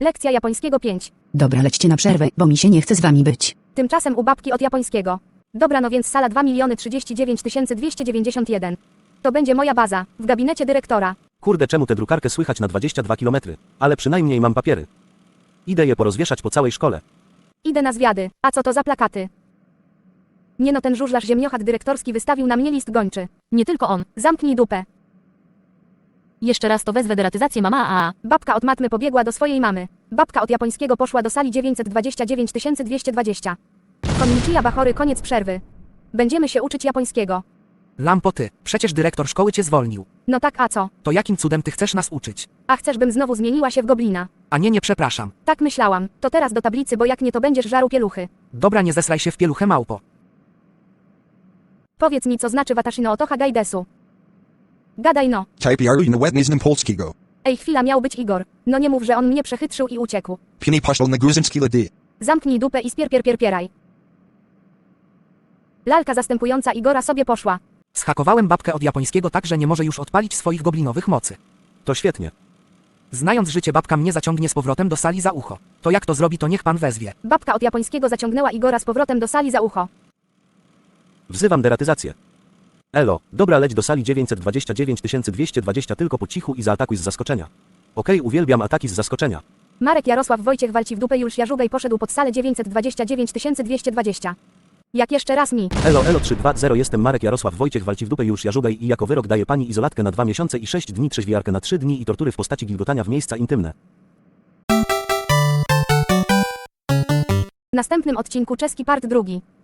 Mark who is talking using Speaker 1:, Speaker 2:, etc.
Speaker 1: Lekcja japońskiego 5.
Speaker 2: Dobra, lećcie na przerwę, bo mi się nie chce z wami być.
Speaker 1: Tymczasem u babki od japońskiego. Dobra, no więc sala 2 039 291. To będzie moja baza, w gabinecie dyrektora.
Speaker 3: Kurde, czemu tę drukarkę słychać na 22 km? Ale przynajmniej mam papiery. Idę je porozwieszać po całej szkole.
Speaker 1: Idę na zwiady. A co to za plakaty? Nie no, ten żużlarz ziemniochat dyrektorski wystawił na mnie list gończy.
Speaker 4: Nie tylko on.
Speaker 1: Zamknij dupę.
Speaker 4: Jeszcze raz to wezwę deratyzację mama.
Speaker 1: Babka od matmy pobiegła do swojej mamy. Babka od japońskiego poszła do sali 929 220. Konnichiwa Bachory, koniec przerwy. Będziemy się uczyć japońskiego.
Speaker 5: Lampo ty, przecież dyrektor szkoły cię zwolnił.
Speaker 1: No tak, a co?
Speaker 5: To jakim cudem ty chcesz nas uczyć?
Speaker 1: A chcesz, bym znowu zmieniła się w goblina?
Speaker 5: A nie przepraszam.
Speaker 1: Tak myślałam. To teraz do tablicy, bo jak nie, to będziesz żarł pieluchy.
Speaker 5: Dobra, nie zesraj się w pieluchę, małpo.
Speaker 1: Powiedz mi, co znaczy watashi no otoha gaidesu. Gadaj no.
Speaker 6: Type yaru na wetnizn polskiego.
Speaker 1: Ej, chwila, miał być Igor. No nie mów, że on mnie przechytrzył i uciekł.
Speaker 6: Pini poszł na gruzinski lady.
Speaker 1: Zamknij dupę i spierpierpierpieraj. Lalka zastępująca Igora sobie poszła.
Speaker 5: Zhakowałem babkę od japońskiego tak, że nie może już odpalić swoich goblinowych mocy.
Speaker 3: To świetnie.
Speaker 5: Znając życie, babka mnie zaciągnie z powrotem do sali za ucho. To jak to zrobi, to niech pan wezwie.
Speaker 1: Babka od japońskiego zaciągnęła Igora z powrotem do sali za ucho.
Speaker 3: Wzywam deratyzację. Elo, dobra, leć do sali 929 220 tylko po cichu i zaatakuj z zaskoczenia. Okej, uwielbiam ataki z zaskoczenia.
Speaker 1: Marek Jarosław Wojciech walci w dupę, Juliusz Jarzugaj poszedł pod salę 929 220. Jak jeszcze raz mi.
Speaker 3: Elo 320, jestem Marek Jarosław Wojciech, walci w dupę już Jarzugaj i jako wyrok daje pani izolatkę na 2 miesiące i 6 dni, trzeźwiarkę na 3 dni i tortury w postaci gilgotania w miejsca intymne.
Speaker 1: W następnym odcinku czeski part 2.